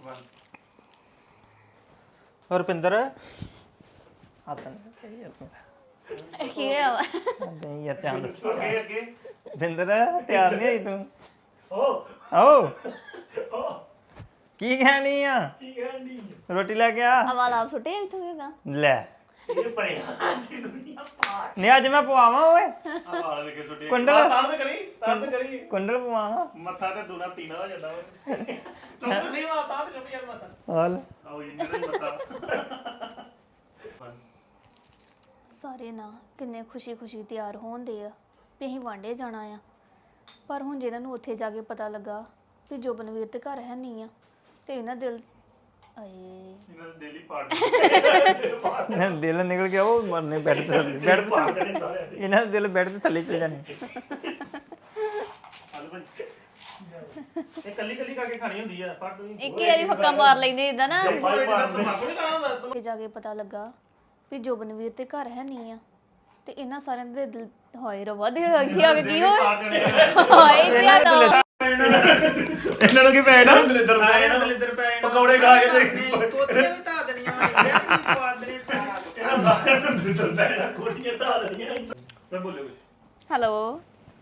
ਰੁਪਿੰਦਰ ਕੀ ਹੋਇਆ ਵਾ? ਨਹੀਂ ਯਾਰ ਚੰਦ ਅੱਗੇ ਰੁਪਿੰਦਰ ਤਿਆਰ ਨਹੀਂ ਹੋਈ ਤੂੰ ਓ ਕੀ ਕਹਿਣੀ ਆ ਰੋਟੀ ਲੈ ਕੇ ਆ ਆਵਾਜ਼ ਆਪ ਸੁੱਟੇ ਇੱਥੋਂ ਹੈਗਾ ਲੈ ਨਹੀਂ ਅੱਜ ਮੈਂ ਪਵਾਵਾਂ ਓਏ ਕੁੰਡਲ ਕੁੰਡਲ ਪਵਾਵਾਂ ਮੱਥਾ ਤੇ ਦੂਣਾ ਤੀਨਾ ਹੋ ਜਾਂਦਾ ਓਏ ਚੁੱਪ ਨਹੀਂ ਵਾ ਤਾਂ ਤੇ ਚੁੱਪ ਯਾਰ ਮੱਥਾ ਹਾਲ ਆਓ ਇੰਨਾ ਹੀ ਮੱਥਾ ਸਾਰੇ ਨਾ ਕਿੰਨੇ ਖੁਸ਼ੀ ਤਿਆਰ ਹੋਣਦੇ ਆ ਵੀ ਅਸੀਂ ਵਾਂਡੇ ਜਾਣਾ ਆ ਪਰ ਹੁਣ ਜਿਹਨਾਂ ਨੂੰ ਉੱਥੇ ਜਾ ਕੇ ਪਤਾ ਲੱਗਾ ਵੀ ਜੋਬਨਵੀਰ ਤੇ ਘਰ ਹੈ ਨਹੀਂ ਆ ਤੇ ਇਹਨਾਂ ਦਿਲ ਆਏ ਇਹਨਾਂ ਦੇ ਦਿਲ ਹੀ ਪਾੜ ਇਹਨਾਂ ਦਾ ਦਿਲ ਨਿਕਲ ਗਿਆ ਉਹ ਮਰਨੇ ਬੈੱਡ ਤੇ ਬੈੱਡ ਪਾੜ ਦੇਣੇ ਸਾਰੇ ਇਹਨਾਂ ਦਾ ਦਿਲ ਬੈੱਡ ਤੇ ਥੱਲੇ ਚਲ ਜਾਣੇ ਹਲ ਭਾਈ ਇਹ ਕੱਲੀ ਕੱਲੀ ਕਰਕੇ ਖਾਣੀ ਹੁੰਦੀ ਆ ਫੜ ਤੂੰ ਇੱਕ ਹੀ ਵਾਰੀ ਫੱਕਾ ਮਾਰ ਲੈਂਦੇ ਇਦਾਂ ਨਾ ਮਾਰ ਮਾਰ ਨਹੀਂ ਖਾਣਾ ਹੁੰਦਾ ਉੱਥੇ ਜਾ ਕੇ ਪਤਾ ਲੱਗਾ ਵੀ ਜੋਬਨਵੀਰ ਤੇ ਘਰ ਹੈ ਨਹੀਂ ਆ ਤੇ ਇਹਨਾਂ ਸਾਰਿਆਂ ਦੇ ਦਿਲ ਹੋਏ ਰਵਾ ਦੇ ਇੱਥੇ ਆ ਕੇ ਕੀ ਹੋਇਆ ਪਾੜ ਦੇਣੇ ਹਾਏ ਇੱਥੇ ਆ ਤਾਂ ਇਹਨਾਂ ਨੂੰ ਕੀ ਪੈਣਾ ਦਲਿੱਦਰ ਪੈਣਾ ਦਲਿੱਦਰ ਪੈ ਪਕੌੜੇ ਖਾ ਕੇ ਤੇ ਕੋਤੀਆਂ ਵੀ ਧਾ ਦੇਣੀਆਂ ਮੈਂ ਪਵਾ ਦੇਣੇ ਸਾਰਾ ਇਹਨਾਂ ਸਾਰਿਆਂ ਨੂੰ ਦਲਿੱਦਰ ਪੈਣਾ ਕੋਟੀਆਂ ਧਾ ਦੇਣੀਆਂ ਮੈਂ ਬੋਲੇ ਕੁਛ ਹੈਲੋ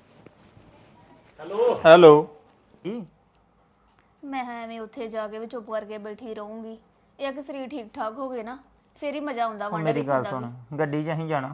ਹੈਲੋ ਹੈਲੋ ਮੈਂ ਐਵੇਂ ਉੱਥੇ ਜਾ ਕੇ ਵੀ ਚੁੱਪ ਕਰਕੇ ਬੈਠੀ ਰਹੂੰਗੀ ਇਹ ਆ ਕਿ ਸਰੀਰ ਠੀਕ ਠਾਕ ਹੋ ਗਏ ਨਾ ਫੇਰ ਹੀ ਮਜ਼ਾ ਆਉਂਦਾ ਵਾਂਡਾ ਮੇਰੀ ਗੱਲ ਸੁਣ ਗੱਡੀ 'ਚ ਅਸੀਂ ਜਾਣਾ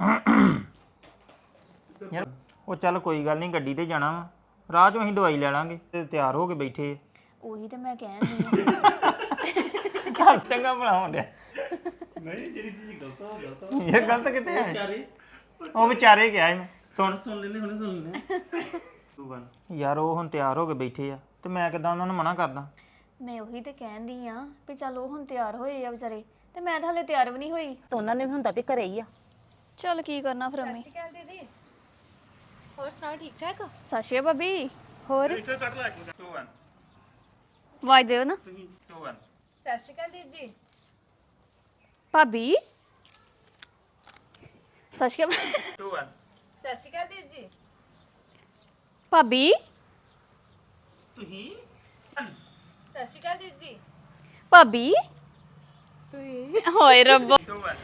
ਯਾਰ ਉਹ ਚੱਲ ਕੋਈ ਗੱਲ ਨਹੀਂ ਗੱਡੀ ਤੇ ਜਾਣਾ ਵਾ ਰਾਹ 'ਚੋਂ ਅਸੀਂ ਦਵਾਈ ਲੈ ਲਾਂਗੇ ਤੇ ਤਿਆਰ ਹੋ ਕੇ ਬੈਠੇ ਉਹੀ ਤੇ ਮੈਂ ਕਹਿੰਦੀ ਆ ਹੱਸ ਚੰਗਾ ਬਣਾਉਣ ਡਿਆ ਨਹੀਂ ਜਿਹੜੀ ਚੀਜ਼ ਗਲਤ ਹੋ ਇਹ ਗਲਤ ਕਿਤੇ ਹੈ ਉਹ ਵਿਚਾਰੇ ਗਿਆ ਮੈਂ ਸੁਣ ਲੈਨੇ ਹੁਣੇ ਸੁਣ ਲੈਨੇ ਤੂੰ ਬਣ ਯਾਰ ਉਹ ਹੁਣ ਤਿਆਰ ਹੋ ਕੇ ਬੈਠੇ ਆ ਤੇ ਮੈਂ ਕਿਦਾਂ ਉਹਨਾਂ ਨੂੰ ਮਨਾ ਕਰਦਾ ਮੈਂ ਉਹੀ ਤੇ ਕਹਿੰਦੀ ਆ ਵੀ ਚੱਲ ਉਹ ਹੁਣ ਤਿਆਰ ਹੋਏ ਆ ਵਿਚਾਰੇ ਤੇ ਮੈਂ ਤਾਂ ਹਲੇ ਤਿਆਰ ਵੀ ਨਹੀਂ ਹੋਈ ਤਾਂ ਉਹਨਾਂ ਨੇ ਵੀ ਹੁੰਦਾ ਵੀ ਘਰੇ ਹੀ ਆ ਚੱਲ ਕੀ ਕਰਨਾ ਫਿਰ ਅੰਮੀ ਦੀਦੀ ਹੋਰ ਸੁਣਾਓ ਠੀਕ ਠਾਕ ਸਤਿ ਸ਼੍ਰੀ ਅਕਾਲ ਭਾਬੀ ਹੋਰ ਇੱਥੇ ਕੱਟ ਲੈ ਕੇ ਤੂੰ ਬਣ ਆਵਾਜ਼ ਦਿਓ ਨਾ ਤੂੰ ਬਣ ਸਤਿ ਸ਼੍ਰੀ ਅਕਾਲ ਦੀਦੀ ਭਾਬੀ ਸਤਿ ਸ਼੍ਰੀ ਅਕਾਲ ਤੂੰ ਬਣ ਸਤਿ ਸ਼੍ਰੀ ਅਕਾਲ ਦੀਦੀ ਭਾਬੀ ਤੁਸੀਂ ਸਤਿ ਸ਼੍ਰੀ ਅਕਾਲ ਦੀਦੀ ਭਾਬੀ ਹੋਏ ਰੱਬਾ ਤੂੰ ਬਣ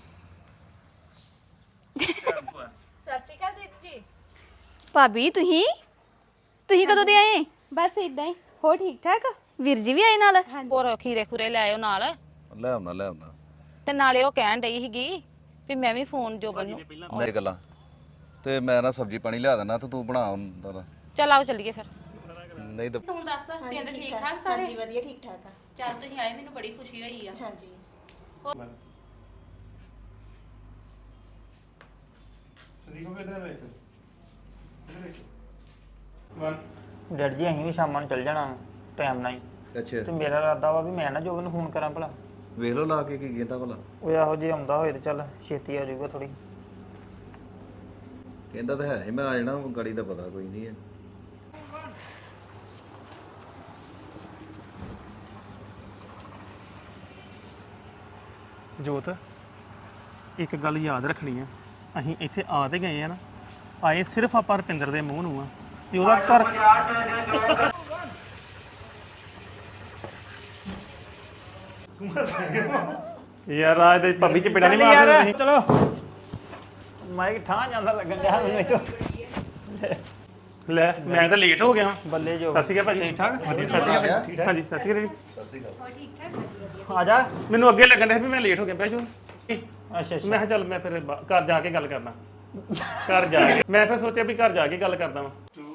ਸਤਿ ਸ਼੍ਰੀ ਅਕਾਲ ਦੀਦੀ ਭਾਬੀ ਤੁਸੀਂ ਕਦੋਂ ਦੇ ਆਏ ਬਸ ਇਦਾਂ ਹੀ ਹੋ ਠੀਕ ਠਾਕ ਵੀਰ ਜੀ ਵੀ ਆਏ ਨਾਲ ਹੋਰ ਖੀਰੇ ਖੁਰੇ ਲੈ ਆਇਓ ਨਾਲ ਲੈ ਆਉਣਾ ਤੇ ਨਾਲੇ ਉਹ ਕਹਿਣ ਡਈ ਸੀਗੀ ਵੀ ਮੈਂ ਵੀ ਫੋਨ ਜੋਬਨ ਨੂੰ ਮੇਰੇ ਗੱਲਾਂ ਤੇ ਮੈਂ ਨਾ ਸਬਜ਼ੀ ਪਾਣੀ ਲਿਆ ਦੇਣਾ ਤੇ ਤੂੰ ਬਣਾ ਹੁੰਦਾ ਤਾਂ। ਚੱਲ ਆਓ ਚੱਲੀਏ ਫਿਰ ਨਹੀਂ ਤਾਂ ਤੂੰ ਦੱਸ ਪਿੰਡ ਠੀਕ ਠਾਕ ਸਾਰੇ ਹਾਂਜੀ ਵਧੀਆ ਠੀਕ ਠਾਕ ਆ ਚੱਲ ਤੁਸੀਂ ਆਏ ਮੈਨੂੰ ਬੜੀ ਖੁਸ਼ੀ ਹੋਈ ਆ ਹਾਂਜੀ ਸਰੀਕੋ ਕਿਧਰ ਵੇਖ ਬਣ ਡੈਡ ਜੀ ਅਸੀਂ ਵੀ ਸ਼ਾਮਾਂ ਨੂੰ ਚੱਲ ਜਾਣਾ ਟਾਈਮ ਨਾਲ ਹੀ ਅੱਛਾ ਤੇ ਮੇਰਾ ਇਰਾਦਾ ਵਾ ਵੀ ਮੈਂ ਨਾ ਜੋਬਨ ਨੂੰ ਫੋਨ ਕਰਾਂ ਭਲਾ ਵੇਖ ਲਓ ਲਾ ਕੇ ਕੀ ਕਹਿੰਦਾ ਭਲਾ ਉਹ ਇਹੋ ਜੇ ਆਉਂਦਾ ਹੋਏ ਤੇ ਚੱਲ ਛੇਤੀ ਆ ਜਾਊਗਾ ਥੋੜੀ ਕਹਿੰਦਾ ਤਾਂ ਹੈ ਹੀ ਮੈਂ ਆ ਜਾਣਾ ਗਾੜੀ ਦਾ ਪਤਾ ਕੋਈ ਨਹੀਂ ਹੈ ਜੋਤ ਇੱਕ ਗੱਲ ਯਾਦ ਰੱਖਣੀ ਆ ਅਸੀਂ ਇੱਥੇ ਆ ਤੇ ਗਏ ਆ ਨਾ ਆਏ ਸਿਰਫ ਆਪਾਂ ਰਪਿੰਦਰ ਦੇ ਮੂੰਹ ਨੂੰ ਆ ਤੇ ਉਹਦਾ ਘਰ ਯਾਰ ਰਾਜ ਦੇ ਭਾਬੀ ਚ ਪਿੜਾ ਨਹੀਂ ਮਾਰਦੇ ਤੁਸੀਂ ਚਲੋ ਮਾਈਕ ਠਾਂ ਜਾਂਦਾ ਲੱਗਣ ਡਿਆ ਮੈਨੂੰ ਲੈ ਮੈਂ ਤਾਂ ਲੇਟ ਹੋ ਗਿਆ ਬੱਲੇ ਜੋ ਸਤਿ ਸ਼੍ਰੀ ਅਕਾਲ ਭਾਜੀ ਠੀਕ ਠਾਕ ਸਤਿ ਸ਼੍ਰੀ ਅਕਾਲ ਠੀਕ ਠਾਕ ਹਾਂਜੀ ਸਤਿ ਸ਼੍ਰੀ ਅਕਾਲ ਆ ਜਾ ਮੈਨੂੰ ਅੱਗੇ ਲੱਗਣ ਡਿਆ ਵੀ ਮੈਂ ਲੇਟ ਹੋ ਗਿਆ ਬੈਜੋ ਅੱਛਾ ਮੈਂ ਕਿਹਾ ਚੱਲ ਮੈਂ ਫਿਰ ਘਰ ਜਾ ਕੇ ਗੱਲ ਕਰਨਾ ਘਰ ਜਾ ਕੇ ਮੈਂ ਫਿਰ ਸੋਚਿਆ ਵੀ ਘਰ ਜਾ ਕੇ ਗੱਲ ਕਰਦਾ ਵਾਂ 2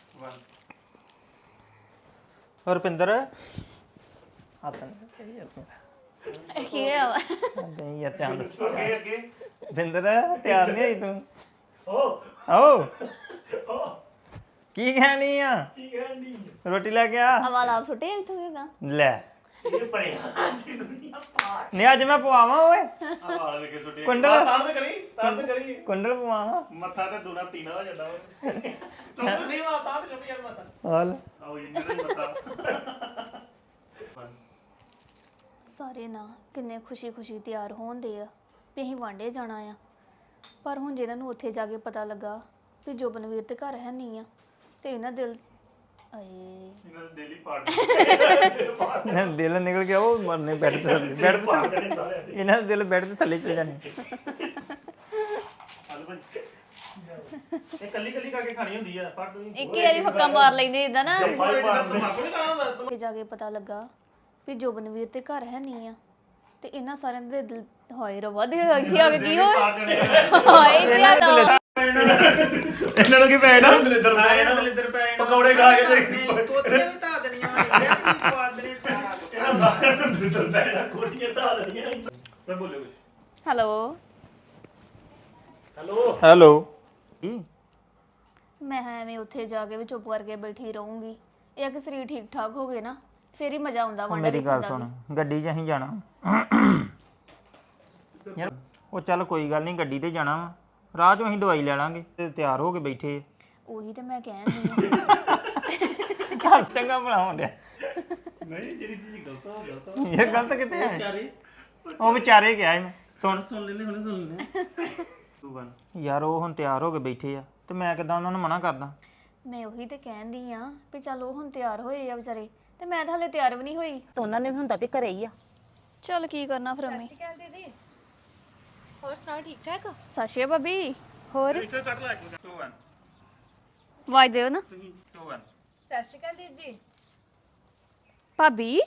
1 ਰੁਪਿੰਦਰ ਕੀ ਹੋਇਆ ਵਾ? ਨਹੀਂ ਯਾਰ ਚੰਦ ਅੱਗੇ ਅੱਗੇ ਰੁਪਿੰਦਰ ਤਿਆਰ ਨਹੀਂ ਹੋਈ ਤੂੰ ਓ ਓ ਕੀ ਕਹਿਣੀ ਆ ਕੀ ਕਹਿਣੀ ਰੋਟੀ ਲੈ ਕੇ ਆ ਆਵਾਜ਼ ਆਪ ਸੁੱਟੇ ਇੱਥੋਂ ਹੈਗਾ ਲੈ ਇਹ ਬਣਿਆ ਜੀ ਦੁਨੀਆ ਪਾੜ ਨਹੀਂ ਅੱਜ ਮੈਂ ਪਵਾਵਾਂ ਓਏ ਆ ਵਾਲ ਵੇਖ ਕੇ ਸੁੱਟੇ ਕੁੰਡਲ। ਤਾਂ ਕਰੀ ਕੁੰਡਲ ਪਵਾਵਾਂ ਮੱਥਾ ਤੇ ਦੂਣਾ ਤੀਨਾ ਹੋ ਜਾਂਦਾ ਓਏ ਚੁੱਪ ਨਹੀਂ ਵਾ ਤਾਂ ਤੇ ਚੁੱਪ ਯਾਰ ਮੱਥਾ ਹਾਲ ਆਓ ਇੰਨਾ ਹੀ ਮੱਥਾ ਸਾਰੇ ਨਾ ਕਿੰਨੇ ਖੁਸ਼ੀ ਤਿਆਰ ਹੋਣਦੇ ਆ ਵੀ ਅਸੀਂ ਵਾਂਡੇ ਜਾਣਾ ਆ ਪਰ ਹੁਣ ਜਿਹਨਾਂ ਨੂੰ ਉੱਥੇ ਜਾ ਕੇ ਪਤਾ ਲੱਗਾ ਵੀ ਜੋਬਨਵੀਰ ਤੇ ਘਰ ਹੈ ਨਹੀਂ ਆ ਤੇ ਇਹਨਾਂ ਦਿਲ ਆਏ ਇਹਨਾਂ ਦੇ ਦਿਲ ਹੀ ਪਾੜ ਦਿਲ ਨਿਕਲ ਗਿਆ ਉਹ ਮਰਨੇ ਬੈੱਡ ਤੇ ਥੱਲੇ ਬੈੱਡ ਤੇ ਇਹਨਾਂ ਦਾ ਦਿਲ ਬੈੱਡ ਤੇ ਥੱਲੇ ਚਲ ਜਾਣੇ ਇਹ ਕੱਲੀ ਕੱਲੀ ਕਰਕੇ ਖਾਣੀ ਹੁੰਦੀ ਆ ਪਰ ਤੁਸੀਂ ਇੱਕ ਹੀ ਵਾਰੀ ਫੱਕਾ ਮਾਰ ਲੈਂਦੇ ਇਦਾਂ ਨਾ ਤਮਾਕੂ ਨਹੀਂ ਖਾਣਾ ਹੁੰਦਾ ਤੇ ਜਾ ਕੇ ਪਤਾ ਲੱਗਾ ਵੀ ਜੋਬਨਵੀਰ ਤੇ ਘਰ ਹੈ ਨਹੀਂ ਆ ਤੇ ਇਹਨਾਂ ਸਾਰਿਆਂ ਦੇ ਦਿਲ ਹੋਏ ਰਵਾ ਦੇ ਇੱਥੇ ਆ ਕੇ ਕੀ ਹੋਏ ਹਾਏ ਤੇ ਆ ਤਾਂ ਇਹਨਾਂ ਨੂੰ ਕੀ ਪੈਣਾ ਦਲਿੱਦਰ ਪੈ ਪਕੌੜੇ ਖਾ ਕੇ ਤੇ ਤੋਤੀਆਂ ਵੀ ਧਾ ਦੇਣੀਆਂ ਮੈਂ ਕੀ ਕੁਆਦਰੇ ਕੋਟੀਆਂ ਧਾ ਦੇਣੀਆਂ ਮੈਂ ਬੋਲਿਓ ਕੁਛ ਹੈਲੋ ਹੈਲੋ ਮੈਂ ਐਵੇਂ ਉੱਥੇ ਜਾ ਕੇ ਵੀ ਚੁੱਪ ਕਰਕੇ ਬੈਠੀ ਰਹੂੰਗੀ ਇਹ ਕਿ ਸਰੀਰ ਠੀਕ ਠਾਕ ਹੋ ਗਏ ਨਾ ਫੇਰ ਹੀ ਮਜ਼ਾ ਆਉਂਦਾ ਵਾਂਡਾ ਮੇਰੀ ਗੱਲ ਸੁਣ ਗੱਡੀ 'ਚ ਅਸੀਂ ਜਾਣਾ ਯਾਰ ਉਹ ਚੱਲ ਕੋਈ ਗੱਲ ਨਹੀਂ ਗੱਡੀ ਤੇ ਜਾਣਾ ਵਾ ਰਾਹ 'ਚੋਂ ਅਸੀਂ ਦਵਾਈ ਲੈ ਲਾਂਗੇ ਤੇ ਤਿਆਰ ਹੋ ਕੇ ਬੈਠੇ ਉਹੀ ਤੇ ਮੈਂ ਕਹਿੰਦੀ ਆ ਹੱਸ ਚੰਗਾ ਬਣਾਉਣ ਡਿਆ ਨਹੀਂ ਜਿਹੜੀ ਚੀਜ਼ ਗਲਤ ਹੋ ਗਲਤ ਇਹ ਗਲਤ ਕਿੱਥੇ ਹੈ ਉਹ ਵਿਚਾਰੇ ਗਿਆ ਮੈਂ ਸੁਣ ਲੈਨੇ ਹੁਣੇ ਸੁਣ ਲੈਨੇ 2 1 ਯਾਰ ਉਹ ਹੁਣ ਤਿਆਰ ਹੋ ਕੇ ਬੈਠੇ ਆ ਤੇ ਮੈਂ ਕਿਦਾਂ ਉਹਨਾਂ ਨੂੰ ਮਨਾ ਕਰਦਾ ਮੈਂ ਉਹੀ ਤੇ ਕਹਿੰਦੀ ਆ ਵੀ ਚੱਲ ਉਹ ਹੁਣ ਤਿਆਰ ਹੋਏ ਆ ਵਿਚਾਰੇ ਤੇ ਮੈਂ ਤਾਂ ਹਲੇ ਤਿਆਰ ਵੀ ਨਹੀਂ ਹੋਈ ਤਾਂ ਉਹਨਾਂ ਨੇ ਵੀ ਹੁੰਦਾ ਵੀ ਘਰੇ ਹੀ ਆ ਚੱਲ ਕੀ ਕਰਨਾ ਫਿਰ ਮੈਂ ਸਤਿ ਸ਼੍ਰੀ ਅਕਾਲ ਦੀਦੀ ਹੋਰ ਸੁਣਾਓ ਠੀਕ ਠਾਕ ਸਾਸ਼ੀਆ ਭਾਬੀ ਹੋਰ ਇੱਥੇ ਕੱਟ ਲੈ 2 1 ਵਾਜ ਦਿਓ ਨਾ 2 1 ਸਤਿ ਸ਼੍ਰੀ ਅਕਾਲ ਦੀਦੀ ਜੀ ਭਾਬੀ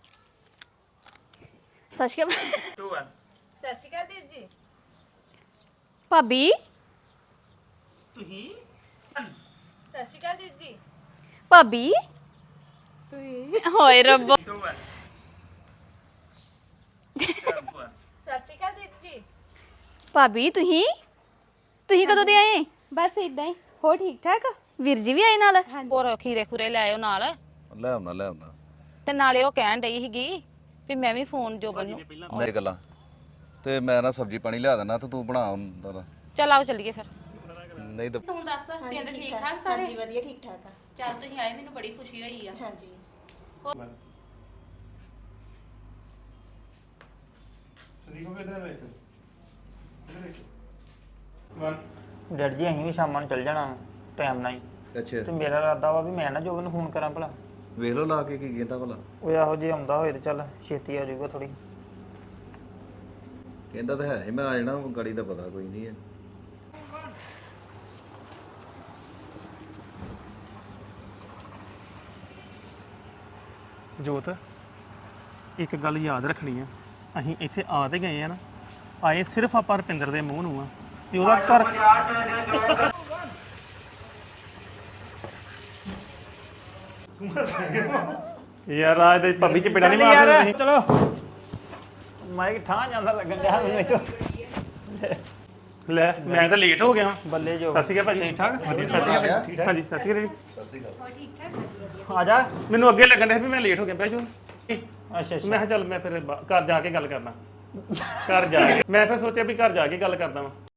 ਸਾਸ਼ੀਆ 2 1 ਸਤਿ ਸ਼੍ਰੀ ਅਕਾਲ ਦੀਦੀ ਜੀ ਭਾਬੀ ਤੁਸੀਂ ਸਤਿ ਸ਼੍ਰੀ ਅਕਾਲ ਦੀਦੀ ਜੀ ਭਾਬੀ ਹੋਏ ਰੱਬਾ 2 1 ਸਤਿ ਸ਼੍ਰੀ ਅਕਾਲ ਦੀਦੀ ਜੀ ਭਾਬੀ ਤੁਸੀਂ ਕਦੋਂ ਦੇ ਆਏ ਬਸ ਇਦਾਂ ਹੀ ਹੋ ਠੀਕ ਠਾਕ ਵੀਰ ਜੀ ਵੀ ਆਏ ਨਾਲ ਹੋਰ ਖੀਰੇ ਖੁਰੇ ਲੈ ਆਇਓ ਨਾਲ ਲੈ ਆਉਣਾ ਤੇ ਨਾਲੇ ਉਹ ਕਹਿਣ ਡਈ ਸੀਗੀ ਵੀ ਮੈਂ ਵੀ ਫੋਨ ਜੋਬਨ ਨੂੰ ਮੇਰੇ ਗੱਲਾਂ ਤੇ ਮੈਂ ਨਾ ਸਬਜ਼ੀ ਪਾਣੀ ਲਿਆ ਦੇਣਾ ਤੇ ਤੂੰ ਬਣਾ ਹੁੰਦਾ ਚੱਲ ਆਓ ਚੱਲੀਏ ਫਿਰ ਨਹੀਂ ਤਾਂ ਤੂੰ ਦੱਸ ਪਿੰਡ ਠੀਕ ਠਾਕ ਸਾਰੇ ਹਾਂਜੀ ਵਧੀਆ ਠੀਕ ਠਾਕ ਆ ਚੱਲ ਤੁਸੀਂ ਆਏ ਮੈਨੂੰ ਬੜੀ ਖੁਸ਼ੀ ਹੋਈ ਆ ਹਾਂਜੀ ਸਰੀਕੋ ਕਿਧਰ ਵੇਖ ਡੈਡ ਜੀ ਅਸੀਂ ਵੀ ਸ਼ਾਮਾਂ ਨੂੰ ਚੱਲ ਜਾਣਾ ਟਾਈਮ ਨਾਲ ਹੀ ਅੱਛਾ ਤੇ ਮੇਰਾ ਇਰਾਦਾ ਵਾ ਵੀ ਮੈਂ ਨਾ ਜੋਬਨ ਨੂੰ ਫੋਨ ਕਰਾਂ ਭਲਾ ਵੇਖ ਲਓ ਲਾ ਕੇ ਕੀ ਕਹਿੰਦਾ ਭਲਾ ਉਹ ਇਹੋ ਜੇ ਆਉਂਦਾ ਹੋਏ ਤੇ ਚੱਲ ਛੇਤੀ ਆ ਜਾਊਗਾ ਥੋੜੀ ਕਹਿੰਦਾ ਤਾਂ ਹੈ ਹੀ ਮੈਂ ਆ ਜਾਣਾ ਗਾੜੀ ਦਾ ਪਤਾ ਕੋਈ ਨਹੀਂ ਹੈ ਜੋਤ ਇੱਕ ਗੱਲ ਯਾਦ ਰੱਖਣੀ ਆ ਅਸੀਂ ਇੱਥੇ ਆ ਤੇ ਗਏ ਆ ਨਾ ਆਏ ਸਿਰਫ ਆਪਾਂ ਰੁਪਿੰਦਰ ਦੇ ਮੂੰਹ ਨੂੰ ਆ ਤੇ ਉਹਦਾ ਘਰ ਯਾਰ ਆਜ ਦੇ ਭਾਬੀ ਚ ਪਿੜਾ ਨਹੀਂ ਮਾਰਦੇ ਤੁਸੀਂ ਚਲੋ ਮਾਈਕ ਠਾਂ ਜਾਂਦਾ ਲੱਗਣ ਡਿਆ ਮੈਨੂੰ ਲੈ ਮੈਂ ਤਾਂ ਲੇਟ ਹੋ ਗਿਆ ਬੱਲੇ ਜੋ ਸਤਿ ਸ਼੍ਰੀ ਅਕਾਲ ਭਾਜੀ ਠੀਕ ਠਾਕ ਵਧੀਆ ਸਤਿ ਸ਼੍ਰੀ ਅਕਾਲ ਠੀਕ ਠਾਕ ਹਾਂਜੀ ਸਤਿ ਸ਼੍ਰੀ ਅਕਾਲ ਆ ਜਾ ਮੈਨੂੰ ਅੱਗੇ ਲੱਗਣ ਡਿਆ ਵੀ ਮੈਂ ਲੇਟ ਹੋ ਗਿਆ ਬਹਿ ਜਾਓ ਅੱਛਾ ਮੈਂ ਕਿਹਾ ਚੱਲ ਮੈਂ ਫਿਰ ਘਰ ਜਾ ਕੇ ਗੱਲ ਕਰਨਾ ਘਰ ਜਾ ਕੇ ਮੈਂ ਫਿਰ ਸੋਚਿਆ ਵੀ ਘਰ ਜਾ ਕੇ ਗੱਲ ਕਰਦਾ ਵਾਂ